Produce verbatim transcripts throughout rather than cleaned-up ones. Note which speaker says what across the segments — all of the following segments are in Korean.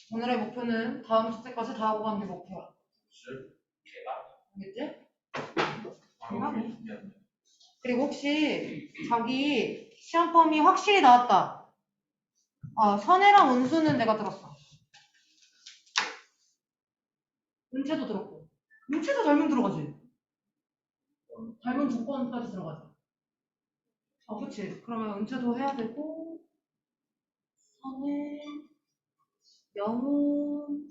Speaker 1: 오늘의 목표는 다음 주제까지 다 하고 가는 게 목표야. 알겠지? 대박이야. 그리고 혹시 자기 시험 범위 확실히 나왔다. 아, 선혜랑 운수는 내가 들었어. 은채도 들었고. 은채도 닮으면 들어가지. 닮은 조건까지 들어가지. 어, 그치. 그러면 은채도 해야 되고, 선혜, 영훈,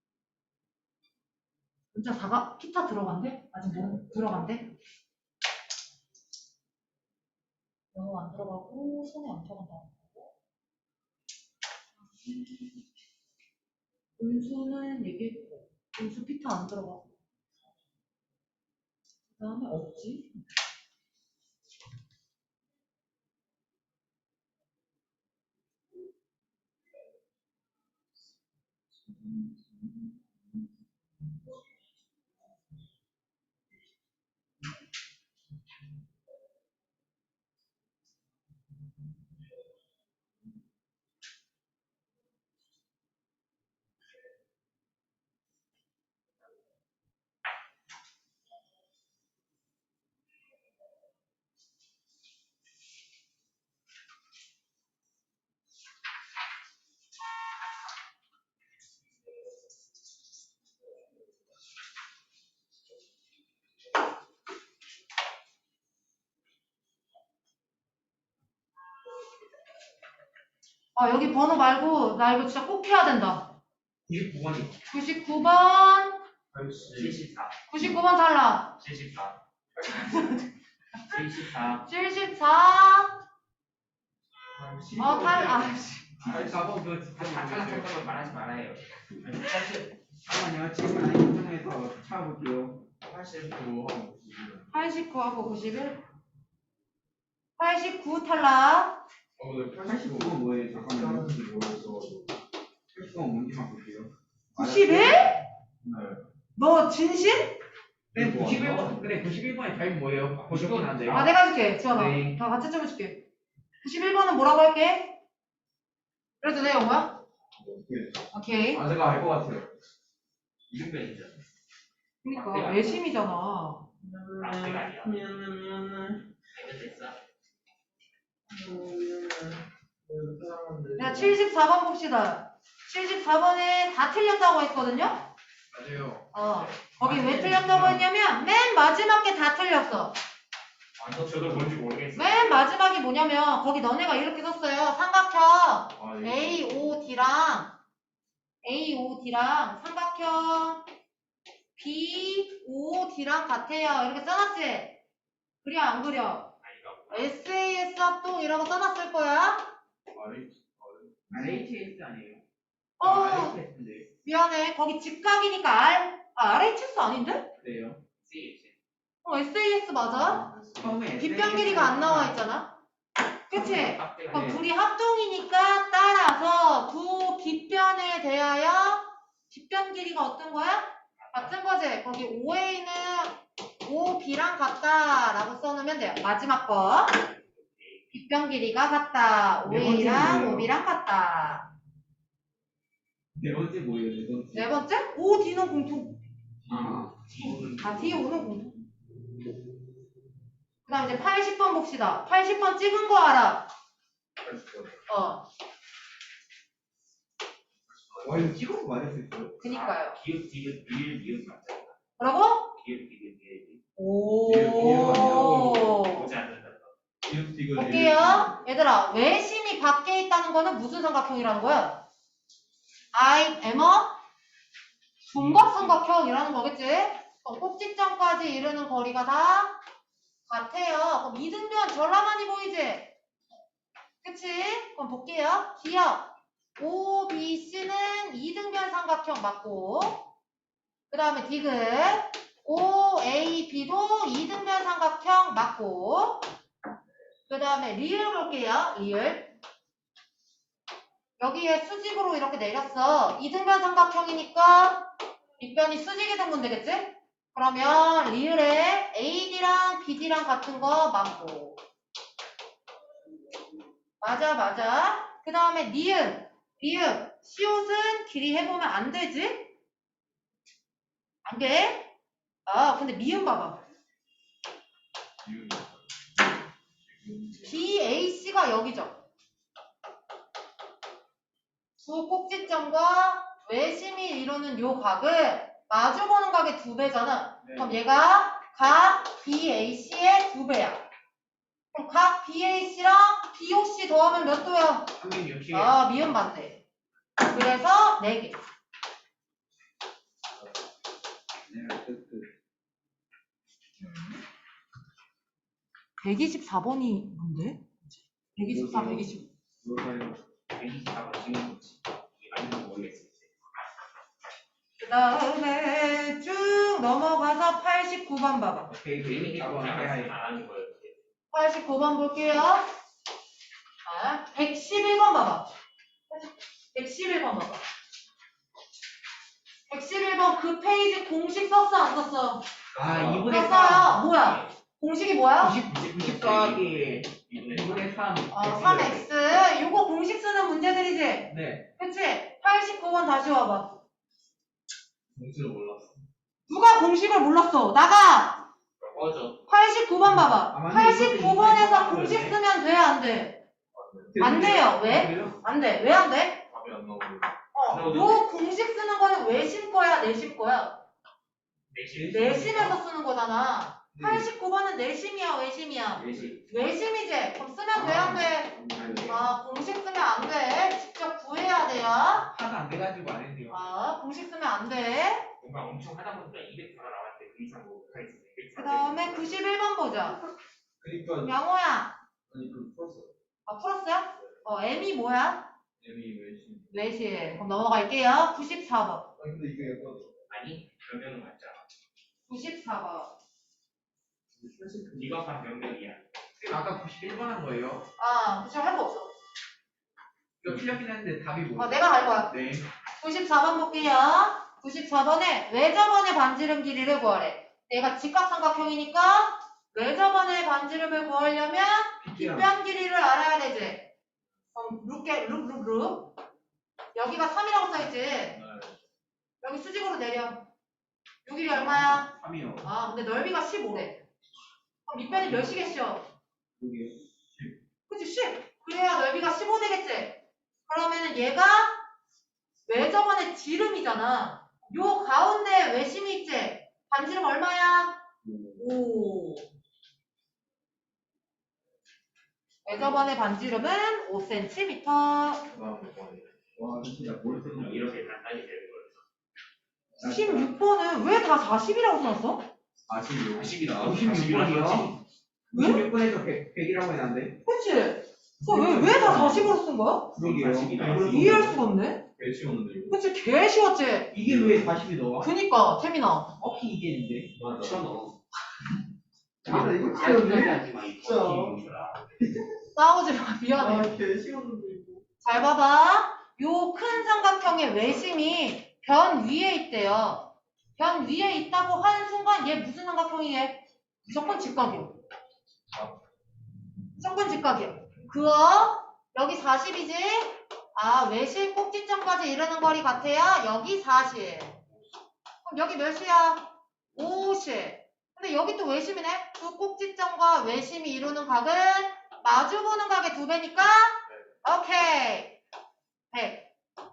Speaker 1: 은채 다가, 기타 들어간대? 아직 뭐 들어간대? 영훈 안 들어가고, 선혜 안 들어간다. 은수는 얘기했고, 은수 피타 안 들어가고. 그 다음에 없지? 아, 여기 번호 말고, 나 이거 진짜 꼭 해야 된다.
Speaker 2: 구십구 번이
Speaker 1: 구십구 번,
Speaker 2: 칠십사
Speaker 1: 구십구 번 탈락.
Speaker 2: 칠십사 칠십사
Speaker 1: 칠십사, 어, 탈락. 아,
Speaker 2: 팔십사 번 그거 진짜 다 탈락했던 걸 말하지 말아요. 팔십
Speaker 3: 잠깐만요. 지금 아니 인터넷에서 찾아볼게요.
Speaker 2: 팔십구
Speaker 1: 팔십구하고 구십일. 팔십구 탈락.
Speaker 3: 팔십구 번 뭐예요? 잠깐만요. 팔십구 번 뭔지만 볼게요.
Speaker 1: 구십일?
Speaker 3: 네.
Speaker 1: 너 진심?
Speaker 2: 그래 구십일 번 그래 구십일 번의 답이 뭐예요? 보셨긴 한데요.
Speaker 1: 아, 내가 해줄게. 지원아.
Speaker 2: 네.
Speaker 1: 다 같이 좀 해줄게. 구십일 번은 뭐라고 할게? 그래도 돼, 영호야? 오케이.
Speaker 2: 아 제가 알 것 같아요. 이등변이죠.
Speaker 1: 그니까, 외심이잖아.
Speaker 2: 락대가 아니야.
Speaker 3: 미안해 미안해.
Speaker 2: 됐어.
Speaker 1: 야, 칠십사 번 봅시다. 칠십사 번에 다 틀렸다고 했거든요?
Speaker 2: 맞아요.
Speaker 1: 어. 거기 왜 틀렸다고 했냐면, 맨 마지막에 다 틀렸어.
Speaker 2: 완전 저도 뭔지 모르겠어요.
Speaker 1: 맨 마지막이 뭐냐면, 거기 너네가 이렇게 썼어요. 삼각형
Speaker 2: 아, 예.
Speaker 1: 에이 오 디랑, 에이 오 디랑 삼각형 비 오 디랑 같아요. 이렇게 써놨지? 그려, 안 그려? 에스 에이 에스 합동이라고 써놨을 거야?
Speaker 2: 알에이치에스 아니에요?
Speaker 1: 어,
Speaker 2: 알에이치에스인데.
Speaker 1: 미안해. 거기 직각이니까 R, 아, 알 에이치 에스 아닌데?
Speaker 2: 그래요? 씨에이치.
Speaker 1: 어, 에스 에이 에스 맞아?
Speaker 3: 처음에
Speaker 1: 빗변 길이가 안 나와 있잖아? 그치?
Speaker 2: 깍대가
Speaker 1: 그럼
Speaker 3: 네.
Speaker 1: 둘이 합동이니까 따라서 두 빗변에 대하여 빗변 길이가 어떤 거야? 같은 거지? 거기 오 에이는 오 비랑 같다라고 써놓으면 돼요. 마지막 거. 빗변 길이가 같다. 오 에이랑 오 비랑 같다.
Speaker 3: 네 번째 뭐예요? 네 번째.
Speaker 1: 네 번째? 오 디는 공통.
Speaker 3: 아.
Speaker 1: 아, D, O는 공통. 그 다음 이제 팔십 번 봅시다. 팔십 번 찍은 거 알아? 어,
Speaker 3: 와 이거 찍어서 맞을 수 있어요?
Speaker 1: 그니까요.
Speaker 2: 기읍, 디귿, 리을, 리을 맞죠?
Speaker 1: 뭐라고?
Speaker 2: 기읍, 디귿, 리을.
Speaker 1: 오.
Speaker 2: 보지 않는다.
Speaker 1: 볼게요. 얘들아, 외심이 밖에 있다는 거는 무슨 삼각형이라는 거야? I am a 중각삼각형이라는 거겠지? 그럼 꼭지점까지 이르는 거리가 다 같아요. 그럼 이등변 졸라 많이 보이지? 그치? 그럼 볼게요. 기억. 오 비 씨는 이등변 삼각형 맞고, 그 다음에 디귿. 오 에이 비도 이등변 삼각형 맞고, 그 다음에 리을 볼게요. 리을. 여기에 수직으로 이렇게 내렸어. 이등변 삼각형이니까 빗변이 수직이 되면 되겠지? 그러면 리을에 에이디랑 비디랑 같은 거 맞고. 맞아 맞아. 그 다음에 니은. 니은. 시옷은 길이 해보면 안 되지? 안 돼? 아, 근데 미음 봐봐. 비에이씨가 여기죠. 두 꼭지점과 외심이 이루는 요 각을 마주보는 각의 두 배잖아.
Speaker 3: 네.
Speaker 1: 그럼 얘가 각 비에이씨의 두 배야. 그럼 각 비에이씨랑 비오씨 더하면 몇 도야?
Speaker 2: 삼백육십.
Speaker 1: 아, 미음 반대. 그래서 네 개.
Speaker 3: 네, 끝, 끝.
Speaker 1: 백이십사 번이 뭔데? 백이십사, 백이십오.
Speaker 3: 뭘까요?
Speaker 2: 백이십사 번 지금 뭐지? 아니면 모르겠어.
Speaker 1: 그 다음에 쭉 넘어가서 팔십구 번 봐봐.
Speaker 3: 오케이,
Speaker 2: 이미
Speaker 3: 번
Speaker 2: 안
Speaker 3: 해야
Speaker 2: 하는 거예요.
Speaker 1: 팔십구 번 볼게요. 아, 백십일 번 봐봐. 백십일 번 봐봐. 백십일 번 그 페이지 공식 썼어, 안 썼어?
Speaker 3: 아,
Speaker 2: 이분의
Speaker 1: 썼어요. 뭐야? 공식이 뭐야?
Speaker 3: 구십 더하기 이분의 삼.
Speaker 1: 어, 삼 엑스. 요거 공식 쓰는 문제들이지?
Speaker 3: 네.
Speaker 1: 그치? 팔십구 번 다시 와봐.
Speaker 3: 공수를 몰랐어.
Speaker 1: 누가 공식을 몰랐어? 나가!
Speaker 2: 꺼져.
Speaker 1: 팔십구 번
Speaker 3: 아,
Speaker 1: 봐봐.
Speaker 3: 맞네.
Speaker 1: 팔십구 번에서
Speaker 3: 이것도
Speaker 1: 공식
Speaker 3: 이렇게
Speaker 1: 쓰면 돼, 안 돼? 안 돼요. 왜? 안 돼. 왜 안 돼?
Speaker 3: 답이 안 나오고.
Speaker 1: 어, 요 공식 쓰는 거는 외심 거야, 내심 거야?
Speaker 2: 내심.
Speaker 1: 내심에서 쓰는 거잖아. 팔십구 번은 내심이야, 외심이야?
Speaker 2: 내심.
Speaker 1: 외심이지? 그럼 쓰면 돼, 안 돼?
Speaker 3: 안 돼.
Speaker 1: 아, 공식 쓰면 안 돼. 직접 구해야 돼요.
Speaker 3: 하도 안 돼가지고 안 했네요.
Speaker 1: 아, 공식 쓰면 안 돼.
Speaker 2: 뭔가 엄청 하다 보니까 이백사가 나왔는데 그 이상 뭐 하겠어.
Speaker 1: 그 다음에 구십일 번 보자.
Speaker 3: 그러니까
Speaker 1: 양호야.
Speaker 3: 아니 그 풀었어.
Speaker 1: 아, 풀었어요? 어, M이 뭐야?
Speaker 3: 애미 외신.
Speaker 1: 외심. 그럼 넘어갈게요. 구십사 번.
Speaker 3: 아 근데 이게 약간
Speaker 2: 아니 변명은 맞잖아.
Speaker 1: 구십사 번.
Speaker 3: 사실 그
Speaker 2: 이거 한 변명이야.
Speaker 3: 아까 구십일 번 한 거예요.
Speaker 1: 아, 구십일 할 거 없어.
Speaker 3: 이거 틀렸긴 했는데 답이
Speaker 1: 어,
Speaker 3: 뭐예요?
Speaker 1: 내가 할 거야.
Speaker 3: 네.
Speaker 1: 구십사 번 볼게요. 구십사 번에 외접원의 반지름 길이를 구하래. 얘가 직각삼각형이니까 외접원의 반지름을 구하려면 빗변 길이를 알아야 되지. 그럼 룩게 룩룩룩. 여기가 삼이라고 써있지.
Speaker 3: 네.
Speaker 1: 여기 수직으로 내려. 요 길이 얼마야?
Speaker 3: 삼이요.
Speaker 1: 아, 근데 넓이가 십오래. 그럼 밑변이 몇이겠어?
Speaker 3: 여기요.
Speaker 1: 그치, 십. 그래야 넓이가 십오 되겠지? 그러면은 얘가 외접원의 지름이잖아. 요 가운데 외심이 있지? 반지름 얼마야? 오. 외접원의 반지름은 오 센티미터.
Speaker 3: 와 진짜 뭘 쓰는 거야?
Speaker 2: 이렇게 간단히 되는 거였어.
Speaker 1: 구십육 번은 왜 다 사십이라고 써놨어?
Speaker 3: 아십육.
Speaker 2: 사십이다.
Speaker 3: 구십육 번이요?
Speaker 1: 왜?
Speaker 3: 구십육 번에서 백, 백이라고 해놨는데?
Speaker 1: 그치? 왜, 왜 다 사십으로 쓴 거야?
Speaker 3: 그러게요.
Speaker 2: 사십이다.
Speaker 1: 이해할 수가 없네?
Speaker 3: 개 쉬웠는데 이거.
Speaker 1: 그치, 개 쉬웠지?
Speaker 3: 이게 왜 사십이 나와?
Speaker 1: 그니까, 태민아.
Speaker 3: 어키 이게 있는데? 맞아.
Speaker 2: 너.
Speaker 3: 아, 이거
Speaker 2: 하지 마.
Speaker 3: 진짜.
Speaker 1: 싸우지 마, 미안해.
Speaker 3: 개 쉬웠는데 이거.
Speaker 1: 잘 봐봐. 요 큰 삼각형의 외심이 변 위에 있대요. 변 위에 있다고 하는 순간 얘 무슨 삼각형이에? 무조건 직각이야. 무조건 직각이야. 그어 여기 사십이지? 아, 외심 꼭지점까지 이르는 거리 같아요. 여기 사십. 그럼 여기 몇이야? 오십. 근데 여기 또 외심이네? 두 꼭지점과 외심이 이루는 각은 마주보는 각의 두 배니까 오케이. 백.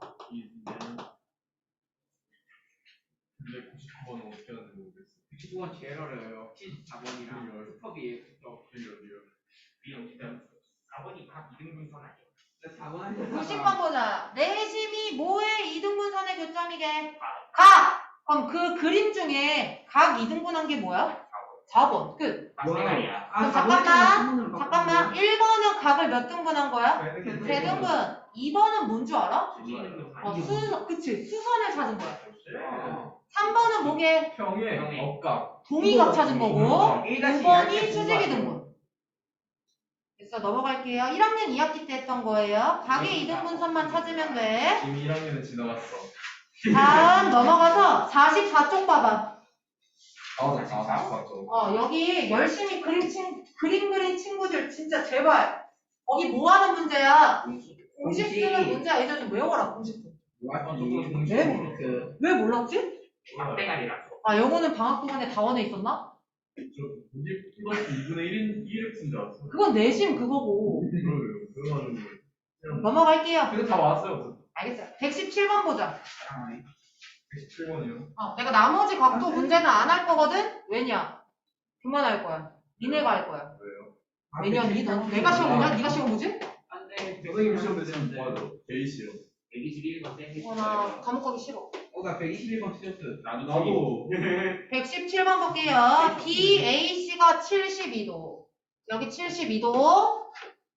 Speaker 3: 근데 구십구 번은 어떻게 하는지 모르겠어. 구십구 번 제일 어려워요. 칠십사 번이랑 슈퍼비에 또 빌려줘요.
Speaker 2: 이런 일단 사 번이 각 이등분선 아니야.
Speaker 3: 사 번
Speaker 1: 구십 번 보자. 내심이 뭐의 이등분선의 교점이게? 각! 그럼 그 그림 중에 각 이등분한 게 뭐야? 사 번. 끝.
Speaker 2: 빡세가리야.
Speaker 1: 그럼 잠깐만. 잠깐만. 일 번은 각을 몇 등분한 거야? 세 등분. 이 번은 뭔 줄 알아? 어, 수, 그치. 수선을 찾은 거야. 삼 번은 뭐게?
Speaker 3: 평에 억각.
Speaker 1: 동의각 찾은 거고. 오
Speaker 3: 일
Speaker 1: 번이 수직이 등분. 됐어. 넘어갈게요. 일 학년 이 학기 때 했던 거예요. 각의 이등분선만 찾으면 돼.
Speaker 3: 지금 일 학년은 지나갔어.
Speaker 1: 다음 넘어가서 사십사 쪽 봐봐.
Speaker 3: 아, 나 사십사 점.
Speaker 1: 어, 여기 열심히 그림 친, 그림 그린 친구들 진짜 제발. 거기 뭐 하는 문제야? 공식 쓰는 문제야. 얘들 좀 외워라, 공식 좀.
Speaker 3: 왜?
Speaker 1: 왜? 왜 몰랐지?
Speaker 2: 막대가리라서.
Speaker 1: 아, 영어는 방학 동안에 다원에 있었나?
Speaker 4: 저 구십 플러스 이분의 일인 이엑스인 줄 알았어.
Speaker 1: 그건 내심 그거고.
Speaker 4: 그러게요. 그래가지고 그냥
Speaker 1: 넘어갈게요.
Speaker 4: 근데 다 왔어요.
Speaker 1: 알겠어요. 백십칠 번 보자.
Speaker 4: 백십칠 번이요.
Speaker 1: 어, 내가 나머지 각도 문제는 안 할 거거든? 왜냐? 그만할 거야. 니네가 할 거야.
Speaker 4: 왜요?
Speaker 1: 왜냐, 니, 너, 내가 시험 보냐? 니가 시험 보지?
Speaker 2: 안돼.
Speaker 4: 선생님 시험 되시면 맞아. 베이시요.
Speaker 2: 백이십일 번 쌤.
Speaker 1: 어, 나 감옥 가기 싫어.
Speaker 3: 어, 나 백이십일 번 틀렸어요.
Speaker 2: 나도
Speaker 4: 나도
Speaker 1: 백십칠 번 볼게요. 비 에이 씨가 칠십이 도. 여기 칠십이 도.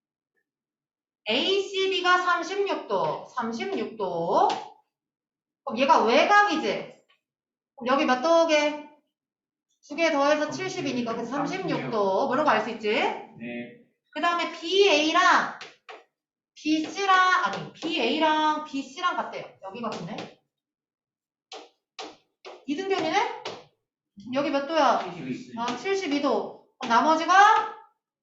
Speaker 1: 에이 씨 비가 삼십육 도. 삼십육 도. 그럼 얘가 외곽이지? 그럼 여기 몇 도게? 두 개 더해서 칠십이니까 그 삼십육 도. 뭐라고 알 수 있지?
Speaker 3: 네.
Speaker 1: 그 다음에 비 에이랑 비 씨랑, 아니, 비 에이랑 비 씨랑 같대요. 여기가 같네. 이등변이네? 여기 몇 도야? 아, 칠십이 도. 그럼 나머지가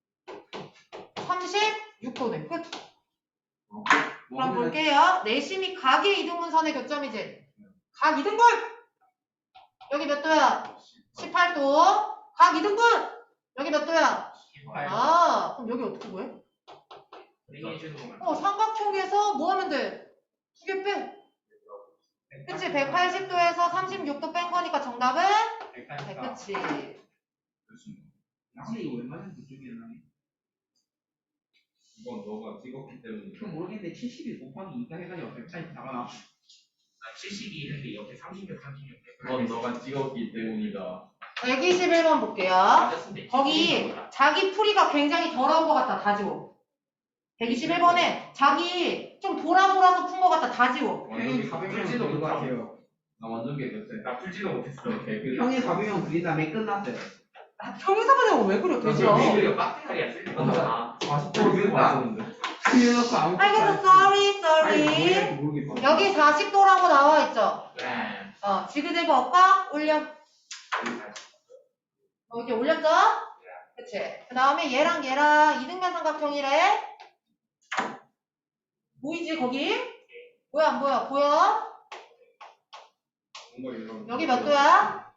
Speaker 1: 삼십육 도네. 끝. 그럼 볼게요. 내심이 각의 이등분선의 교점이지? 각 이등분! 여기 몇 도야? 십팔 도. 각 이등분! 여기 몇 도야? 아, 그럼 여기 어떻게 구해? 어, 삼각형에서 뭐 하면 돼? 두 개 빼. 그치? 백팔십 도에서 삼십육 도 뺀 거니까 정답은? 네, 그치.
Speaker 3: 근데 이거 웬만하면 그쪽이야.
Speaker 4: 이건 너가 찍었기 때문에.
Speaker 3: 좀 모르겠는데 칠십일 곱하기 이가 해가지고 백팔십사가
Speaker 2: 칠십이 했는데 옆에 삼십육, 삼십육.
Speaker 4: 그건 너가 찍었기 때문이다.
Speaker 1: 백이십일 번 볼게요. 거기 자기 풀이가 굉장히 더러운 것 같다. 다 지워. 백이십일 번에 자기 좀 돌아 돌아서 푼 것 같다. 다 지워.
Speaker 3: 형이 사백 명
Speaker 4: 풀지도
Speaker 3: 그린 것
Speaker 4: 못하고.
Speaker 3: 같아요.
Speaker 4: 나 완전 개그세.
Speaker 2: 나 풀지도 못했어.
Speaker 4: 개그.
Speaker 3: 형이 사백 명 그린 다음에 끝났어요.
Speaker 1: 평행사분해가 왜 그래? 돼지야.
Speaker 2: 이거 빡대가리야 쓸 거.
Speaker 4: 사십 번 그거 맞았는데.
Speaker 3: 틀려놓고 아무
Speaker 1: 알겠어. sorry, sorry.
Speaker 3: 모르겠어.
Speaker 1: 여기 사십 도라고 나와 있죠?
Speaker 2: 네.
Speaker 1: 어, 지그재그 엇각 올려. 어, 이렇게 올렸죠? 그치? 그 다음에 얘랑 얘랑 이등변 삼각형이래. 보이지, 거기? 보여, 안 보여? 보여?
Speaker 4: 뭔가 이런.
Speaker 1: 여기 몇 도야?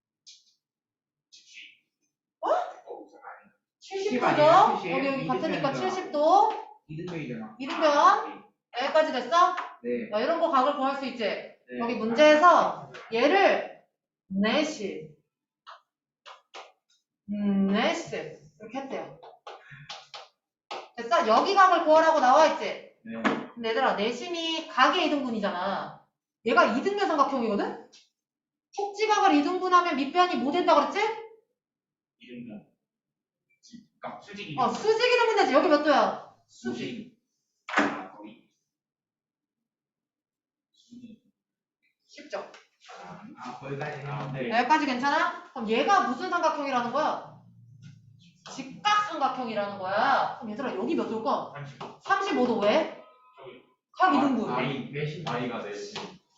Speaker 1: 칠십 도죠?
Speaker 3: 칠십.
Speaker 1: 여기, 여기 같으니까
Speaker 3: 이등변이잖아.
Speaker 1: 칠십 도.
Speaker 3: 이등병이잖아.
Speaker 1: 이등변. 여기까지 됐어?
Speaker 3: 네.
Speaker 1: 야, 이런 거 각을 구할 수 있지?
Speaker 3: 네.
Speaker 1: 여기 문제에서 얘를 넷이 음, 넷이 이렇게 했대요. 됐어? 여기 각을 구하라고 나와있지?
Speaker 3: 네.
Speaker 1: 근데 얘들아 내심이 각의 이등분이잖아. 얘가 이등변 삼각형이거든? 속지각을 이등분하면 밑변이 뭐 된다 그랬지?
Speaker 2: 이름은 아, 수직이.
Speaker 1: 어, 수직 이등분 되지. 여기 몇 도야?
Speaker 2: 수직. 아, 거기.
Speaker 1: 쉽죠?
Speaker 3: 아, 거기까지
Speaker 2: 아,
Speaker 3: 했는데.
Speaker 2: 네.
Speaker 1: 여기까지 괜찮아? 그럼 얘가 무슨 삼각형이라는 거야? 직각 삼각형이라는 거야. 그럼 얘들아 여기 몇 도일까?
Speaker 2: 삼십오.
Speaker 1: 삼십오 도 왜?
Speaker 2: 저기.
Speaker 1: 각 이등분.
Speaker 4: 아이 내신 아이가 내신.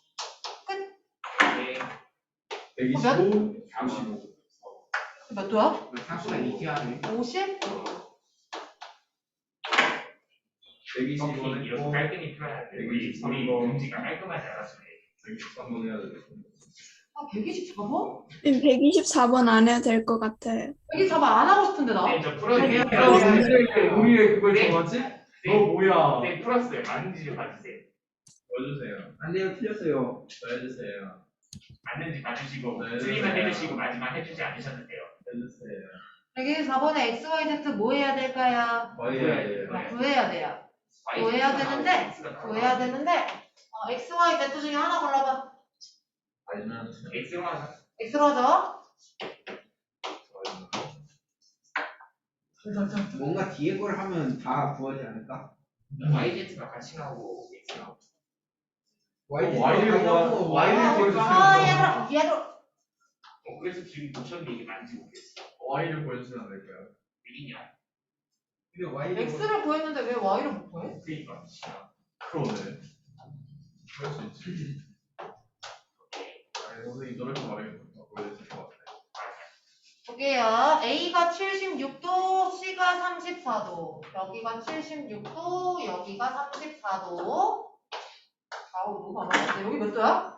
Speaker 2: 네.
Speaker 4: 백이십오, 삼십오.
Speaker 1: 몇 도야?
Speaker 3: 상수가 이기하네.
Speaker 1: 오십?
Speaker 4: 백이십오는
Speaker 2: 이렇게 깔끔히 표현하는데 우리 우리 문지가 깔끔하지 않았어요.
Speaker 4: 백이십삼 번 해야 돼.
Speaker 1: 아, 백이십사 번?
Speaker 5: 백이십사 번 안 해도 될 것 같아요.
Speaker 1: 백이십사 번 안 하고 싶은데 나?
Speaker 2: 네, 저 풀어주세요.
Speaker 4: 우리 왜 그걸
Speaker 2: 네.
Speaker 4: 정하지?
Speaker 2: 네.
Speaker 4: 너 뭐야?
Speaker 2: 네, 풀었어요. 맞는지 좀 봐주세요.
Speaker 4: 보여주세요.
Speaker 3: 안 돼요, 틀렸어요.
Speaker 4: 보여주세요.
Speaker 2: 맞는지 봐주시고
Speaker 4: 네.
Speaker 2: 틀리면 해주시고 마지막 해주지 않으셔도 돼요.
Speaker 4: 해주세요.
Speaker 1: 백이십사 번에 엑스, 와이, 지 뭐 해야 될까요?
Speaker 4: 거의 해야 돼요.
Speaker 2: 네.
Speaker 1: 구해야 돼요. 구해야 되는데, 구해야 되는데, 어, 엑스, 와이, 지 중에 하나 골라봐.
Speaker 4: 아니면
Speaker 2: X가
Speaker 1: X로 하죠?
Speaker 3: 뭔가 뒤에 걸 하면 다 구하지 않을까?
Speaker 2: 와이제트가 같이 나오고 X가
Speaker 3: Y를
Speaker 4: Y를 구하- Y를 보여주세요.
Speaker 1: 아, 얘들아, 얘들아.
Speaker 2: 어, 그래서 지금 보셨는데 이게 맞는지 모르겠어.
Speaker 4: Y를 보여주시면 안 될까요?
Speaker 2: 왜냐?
Speaker 3: 근데 Y를
Speaker 1: X를 구했는데 왜 Y를 못 구해?
Speaker 2: 그러니까 진짜.
Speaker 4: 그러네. 그럴 수 있지. 아니, 선생님 저렇게 말해도 보여주실 것 같아요.
Speaker 1: 볼게요. A가 칠십육 도, C가 삼십사 도. 여기가 칠십육 도, 여기가 삼십사 도. 아우, 너무 많아. 여기 몇 도야?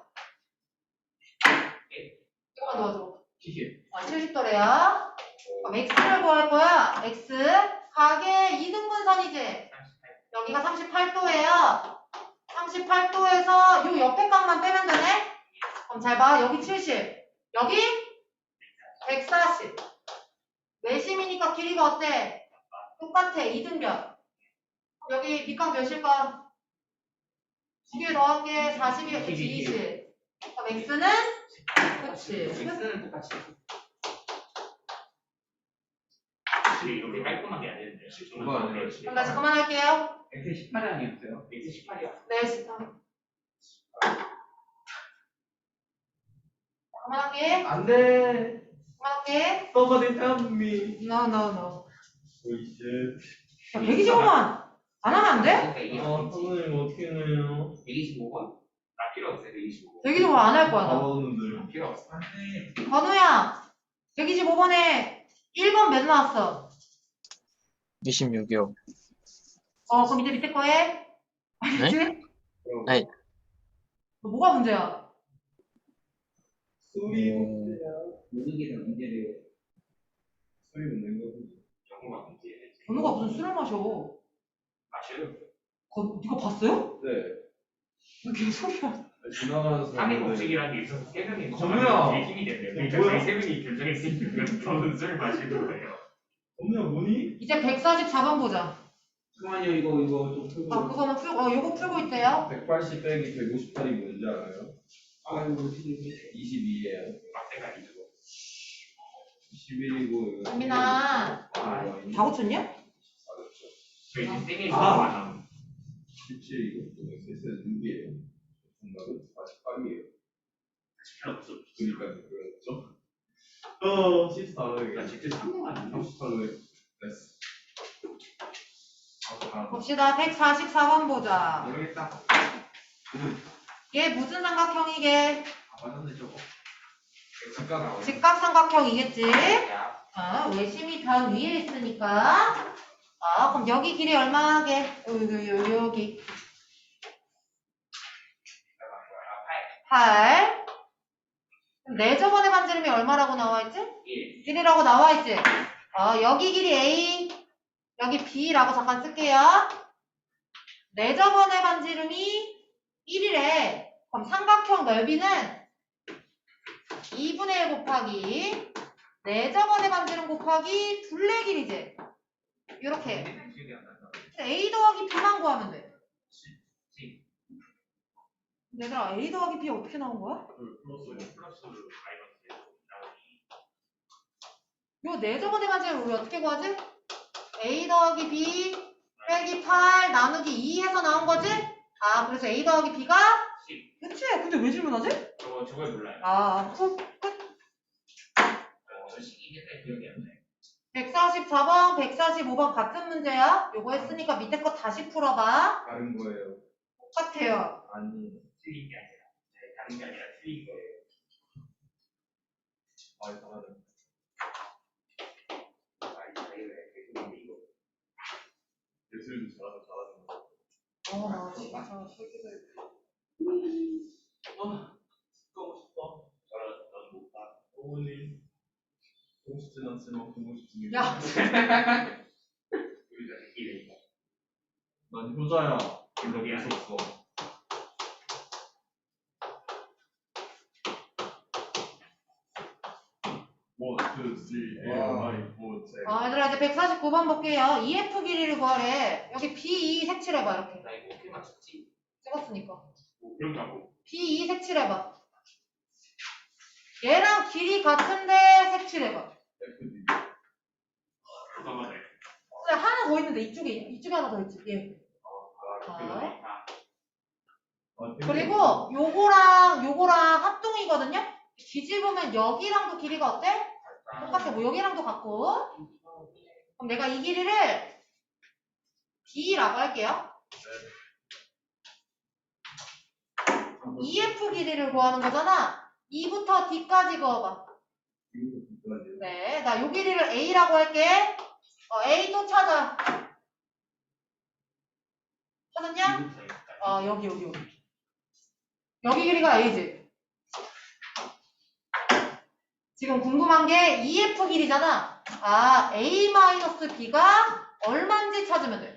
Speaker 1: 이거만 넣어줘.
Speaker 4: 칠십.
Speaker 1: 아, 칠십 도래야. 그럼 x를 구할 거야. x 각의 이등분선이지. 여기가 삼십팔 도예요. 삼십팔 도에서 요 옆에 값만 빼면 되네. 그럼 잘 봐. 여기 칠십. 여기 백사십. 내심이니까 길이가 어때? 똑같아. 이등변. 여기 밑값 몇일까? 두 개 더할게. 사십이, 이십. 그럼 x는? 그치.
Speaker 2: x는 똑같이. 이렇게 깔끔하게 안 되는데.
Speaker 4: 그거 아니라
Speaker 1: 그럼 다시 그만할게요.
Speaker 2: 엑스 십팔이 아니었어요? 엑스 십팔이요.
Speaker 1: 네, 진짜. 그만할게.
Speaker 4: 안 돼.
Speaker 1: 그만할게.
Speaker 4: Somebody help me.
Speaker 1: No, no, no.
Speaker 4: 오이씨.
Speaker 1: 야, 백이십오만 안 하면 안 돼?
Speaker 2: 그러니까
Speaker 4: 아,
Speaker 2: 이게
Speaker 4: 선생님 어떻게 해요?
Speaker 2: 백이십오 번? 나 필요 없어요. 백이십오 번.
Speaker 1: 백이십오 안 할 거야,
Speaker 4: 다
Speaker 1: 나.
Speaker 4: 받았는데.
Speaker 2: 필요 없어.
Speaker 1: 건우야, 백이십오 번에 일 번 몇 나왔어?
Speaker 6: 이십육이요.
Speaker 1: 어, 그럼 이제 밑에 거 해. 알겠지?
Speaker 6: 네.
Speaker 1: 너 뭐가 문제야?
Speaker 4: 소리
Speaker 6: 음,
Speaker 3: 모든 게 다 문제래요.
Speaker 4: 소리 묻는 거.
Speaker 2: 영어가 문제예요.
Speaker 1: 건우가 무슨 술을 마셔?
Speaker 2: 마셔요.
Speaker 1: 거, 이거 봤어요?
Speaker 4: 네.
Speaker 1: 왜 개소리야?
Speaker 4: 지나가는
Speaker 2: 상의
Speaker 4: 사람인데.
Speaker 2: 법칙이라는 게 있어서 세 명이
Speaker 4: 정우야!
Speaker 2: 되게 힘이 된대요.
Speaker 4: 어,
Speaker 2: 그러니까
Speaker 4: 뭐야?
Speaker 2: 저희 세 명이 결정했으니까 저는 술 마시는 거예요.
Speaker 4: 언니야 뭐니?
Speaker 1: 이제 백사십사 번 보자.
Speaker 3: 잠깐만요, 이거, 이거 좀 풀고.
Speaker 1: 아, 그거는 풀고, 어, 요거 풀고 있대요.
Speaker 4: 백팔십 빼기 백오십팔이 뭔지 알아요?
Speaker 3: 아이고, 어떻게.
Speaker 4: 이십이예요.
Speaker 2: 막대가 이거.
Speaker 4: 십일이고
Speaker 1: 민아,
Speaker 4: 아,
Speaker 1: 다 고쳤냐?
Speaker 2: 저희 이제 세 명이
Speaker 4: 아.
Speaker 2: 서로 만나면
Speaker 4: 십칠이고 셋은 육이에요. 정답은 사십팔이에요.
Speaker 2: 필요 없어.
Speaker 4: 그러니까 그렇죠? 어, 십사로
Speaker 2: 나 직접 상공하는 거.
Speaker 4: 삼십팔로 됐어. 아, 다
Speaker 1: 봅시다. 백사십사 번 보자.
Speaker 2: 모르겠다.
Speaker 1: 얘 무슨 삼각형이게?
Speaker 2: 아, 맞았네 저거. 직각 나오네.
Speaker 1: 직각삼각형이겠지?
Speaker 2: 야,
Speaker 1: 아, 외심이 변 위에 있으니까. 아, 그럼 여기 길이 얼마게? 요, 요, 요, 여기. 팔. 그럼 내 저번에 반지름이 얼마라고 나와있지?
Speaker 2: 일.
Speaker 1: 일이라고 나와있지? 어, 여기 길이 A, 여기 B라고 잠깐 쓸게요. 내 저번에 반지름이 일이래. 그럼 삼각형 넓이는 이분의 일 곱하기 내 저번에 반지름 곱하기 둘레 길이지? 요렇게.
Speaker 2: 기억이 안 난다.
Speaker 1: A 더하기 B만 구하면 돼.
Speaker 2: 지.
Speaker 1: 얘들아, A 더하기 B 어떻게 나온 거야?
Speaker 2: 플러스 플러스 마이너스 나오니.
Speaker 1: 요 내 저번에 반지름 우리 어떻게 구하지? A 더하기 B 빼기 팔 나누기 이 해서 나온 거지? 아, 그래서 A 더하기 B가?
Speaker 2: 십.
Speaker 1: 그치? 근데 왜 질문하지?
Speaker 2: 저거 저걸 몰라요.
Speaker 1: 아, 후, 끝.
Speaker 2: 어, 저 시기 옛날 기억이 안 나요.
Speaker 1: 백사십사 번, 백사십오 번 같은 문제야. 요거 했으니까 밑에 거 다시 풀어봐.
Speaker 4: 다른 거예요.
Speaker 1: 똑같아요.
Speaker 4: 아니,
Speaker 2: 틀린 게 아니라 네, 다른 게 아니라 틀린 거예요.
Speaker 4: 아, 이상하네.
Speaker 2: 아, 이 자유에 계속 이거.
Speaker 4: 예술도 잘하고 잘하는 거.
Speaker 1: 어, 나 진짜 새끼들.
Speaker 4: 아, 가고 싶다.
Speaker 2: 저런 저런 못 봐.
Speaker 4: 어머니. 보고 싶진 않지만 보고 싶지.
Speaker 1: 야.
Speaker 2: 우리 자식끼리.
Speaker 4: 난 효자야.
Speaker 2: 그거
Speaker 4: 이렇게
Speaker 2: 미안.
Speaker 4: 있었어. 원, 투, 쓰리, 에이, 나인, 오, 칠.
Speaker 1: 아, 얘들아, 이제 백사십구 번 볼게요. 이에프 길이를 구하래. 여기 비 이 색칠해봐, 이렇게.
Speaker 2: 나 이거 어떻게 맞췄지?
Speaker 1: 찍었으니까.
Speaker 2: 뭐 그런다고.
Speaker 1: 비 이 색칠해봐. 얘랑 길이 같은데 색칠해봐.
Speaker 4: 에프디.
Speaker 2: 잠깐만요.
Speaker 1: 그래, 하나 더 있는데, 이쪽에, 이쪽에 하나 더 있지. 예.
Speaker 2: 아, 그거네. 아,
Speaker 4: 아,
Speaker 1: 그리고 요거랑 요거랑 합동이거든요? 뒤집으면 여기랑도 길이가 어때? 똑같아. 뭐 여기랑도 같고. 그럼 내가 이 길이를 B라고 할게요. 이에프 길이를 구하는 거잖아. 이부터 D까지 그어봐.
Speaker 4: 이것도 비싸지.
Speaker 1: 네, 나 요 길이를 A라고 할게. 어, A 또 찾아. 찾았냐? 어, 여기, 여기, 여기. 여기 길이가 A지. 지금 궁금한 게 이에프 길이잖아. 아, A-B가 얼마인지 찾으면 돼.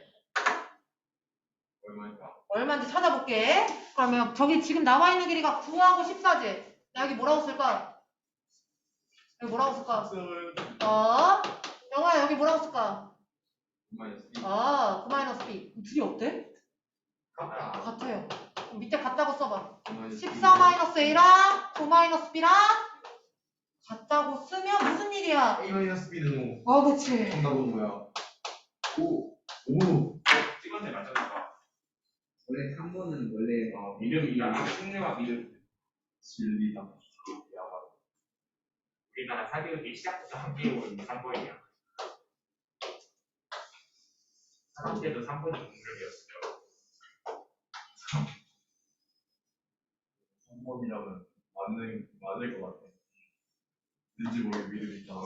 Speaker 4: 얼마일까?
Speaker 1: 얼마인지 찾아볼게. 그러면 저기 지금 나와 있는 길이가 구하고 십사지. 나 여기 뭐라고 쓸까? 여기 뭐라고 쓸까? 어? 영화야 여기 뭐라고 쓸까?
Speaker 4: 마이너스 이.
Speaker 1: 아, 구 마이너스 B. 둘이 어때?
Speaker 2: 같다.
Speaker 1: 같아요. 그럼 밑에 같다고 써봐.
Speaker 4: 마이너스
Speaker 1: 십사 마이너스 A랑 구 마이너스 B랑 같다고 쓰면 무슨 일이야?
Speaker 4: A 마이너스 B는
Speaker 1: 어, 그치.
Speaker 4: 정답은 뭐야? 오. 오.
Speaker 2: 찍었네 맞췄나?
Speaker 3: 원래 삼 번은 원래
Speaker 2: 어 믿음이야. 승리와 믿음.
Speaker 4: 진리다. 야바.
Speaker 2: 우리가 사교육이 시작부터 함께 온 삼 번이야. 삼 때도 삼 번이 공격이었어요.
Speaker 4: 삼 번이라면 맞는 맞을 것 같아. 왠지 모르게 믿음이 있잖아.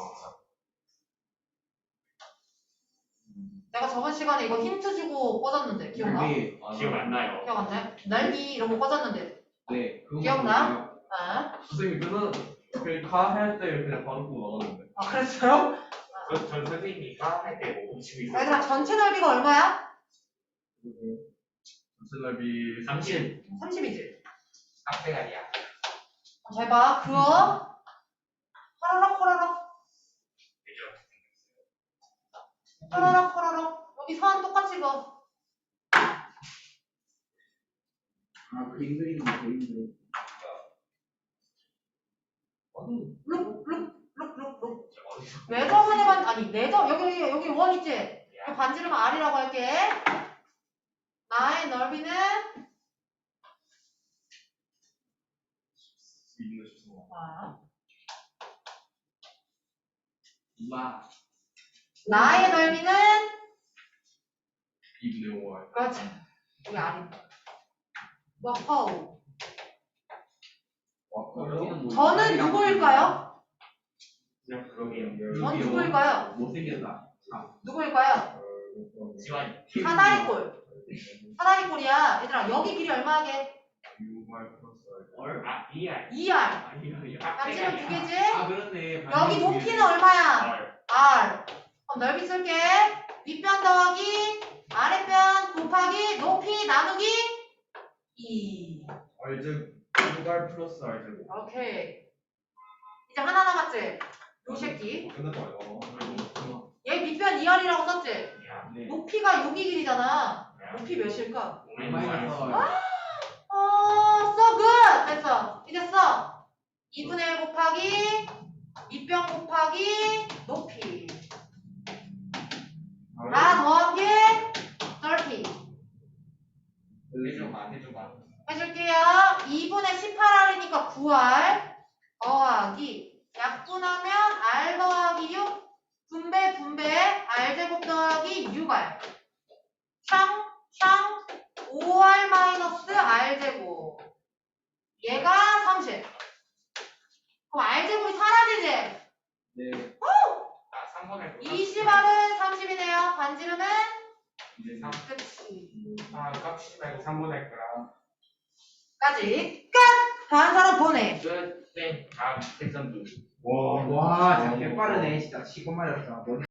Speaker 1: 내가 저번 시간에 이거 힌트 주고 꺼졌는데 기억나?
Speaker 3: 네,
Speaker 4: 아,
Speaker 2: 기억 안 나요.
Speaker 1: 기억 안 나요? 날기 이런 거 꺼졌는데.
Speaker 3: 네, 그거
Speaker 1: 기억나? 아,
Speaker 4: 선생님이 끝나 그냥 가할 때 그냥 바로 끄고 나가는데.
Speaker 1: 아 그랬어요?
Speaker 2: 전, 전 선생님이 과할때 멈추고 있어요.
Speaker 1: 얘들아 전체 넓이가 얼마야?
Speaker 4: 전체 넓이
Speaker 2: 삼십.
Speaker 1: 삼십이지.
Speaker 2: 깍대가리야.
Speaker 1: 잘 봐. 그어. 호로록 호로록. 호로록 호로록. 여기 선 똑같이 그어.
Speaker 3: 아, 그림 그리는 거 보이는데.
Speaker 1: 룩룩룩룩룩. 외접을 해봤 아니 내접 여기 여기 여기 원 있지? 여기 반지름 R이라고 할게. 나의 넓이는
Speaker 4: 있는 싶어.
Speaker 1: 아,
Speaker 3: 우와.
Speaker 1: 나의 넓이는
Speaker 4: 이분의 오.
Speaker 1: 그렇지. 여기 R입니다. 와우.
Speaker 3: 여기는 뭐
Speaker 1: 저는 누구일까요?
Speaker 2: 그냥 그러게요.
Speaker 1: 전 누구일까요?
Speaker 3: 못생겼다.
Speaker 1: 누구일까요?
Speaker 2: 지환.
Speaker 1: 사다리꼴. 사다리꼴이야. 얘들아 여기 길이 얼마게?
Speaker 4: 유말 플러스
Speaker 3: 얼?
Speaker 2: 아, 이알.
Speaker 1: 이 알.
Speaker 3: 아니, 아니.
Speaker 1: 반지름 두 개지?
Speaker 3: 아, 그렇네.
Speaker 1: 여기 높이는 얼마야?
Speaker 2: 알.
Speaker 1: R. 그럼 넓이 쓸게. 윗변 더하기 아랫변 곱하기 높이 나누기 이.
Speaker 4: 알즉 유말 플러스 알즉.
Speaker 1: 오케이. 이제 하나 남았지? 요 새끼.
Speaker 4: 끝났다 이거.
Speaker 1: 얘 밑변 이 알이라고 썼지?
Speaker 2: 야.
Speaker 3: 네.
Speaker 1: 높이가 여기 길이잖아.
Speaker 2: 야.
Speaker 1: 높이 몇일까?
Speaker 3: 마이너스 얼.
Speaker 1: 어, so good. 됐어. 이제 써. 이분의 일 곱하기 밑변 곱하기 높이. 다 더하기 삼십.
Speaker 2: 해줘봐, 해줘봐.
Speaker 1: 해줄게요. 이분의 십팔 알이니까 구 알 더하기 약분하면 R 더하기 육 분배 분배 R제곱 더하기 육 알 샹샹 오 알 마이너스 R제곱 얘가 삼십. 그럼 R제곱이 사라지지?
Speaker 3: 네.
Speaker 2: 아, 삼 번에.
Speaker 1: 이십 알은 삼십이네요. 반지름은?
Speaker 2: 이제 삼.
Speaker 1: 그치.
Speaker 2: 아, 깍치지 말고 삼 번 할 거야.
Speaker 1: 까지 끝! 다음 사람 보내.
Speaker 2: 끝. 네. 다음 패턴 두.
Speaker 3: 와, 와, 자, 개 빠르네. 진짜 치고 말렸다.